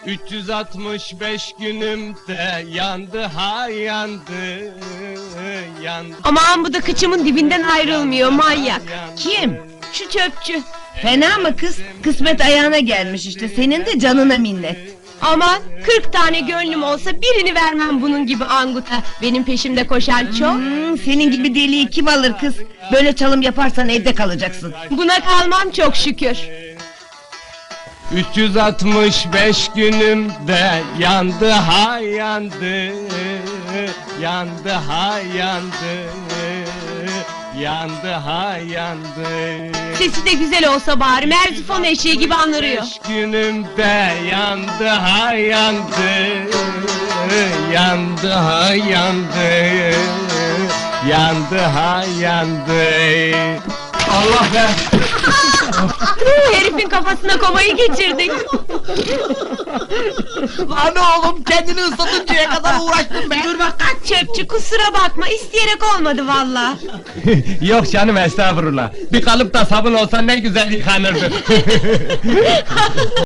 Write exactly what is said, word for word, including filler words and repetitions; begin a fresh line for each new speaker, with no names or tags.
üç yüz altmış beş günümde yandı ha yandı, yandı.
Aman bu da kıçımın dibinden ayrılmıyor manyak.
Kim?
Şu çöpçü.
Fena mı kız? Kısmet ayağına gelmiş işte, senin de canına minnet.
Aman kırk tane gönlüm olsa birini vermem bunun gibi anguta. Benim peşimde koşan çok.
Hmm, senin gibi deliği kim alır kız? Böyle çalım yaparsan evde kalacaksın.
Buna kalmam çok şükür.
üç yüz altmış beş günümde yandı ha yandı, yandı ha yandı, yandı ha yandı.
Sesi de güzel olsa bari, Merzifon eşeği gibi anırıyor.
Beş günümde yandı ha yandı, yandı ha yandı, yandı ha yandı. Allah be!
Herifin kafasına komayı geçirdik.
Lan oğlum, kendini ıslatıncaya kadar uğraştım be!
Dur bak kaç çöpçü, kusura bakma, isteyerek olmadı valla.
Yok canım, estağfurullah. Bir kalıp da sabun olsa ne güzel yıkanırdı.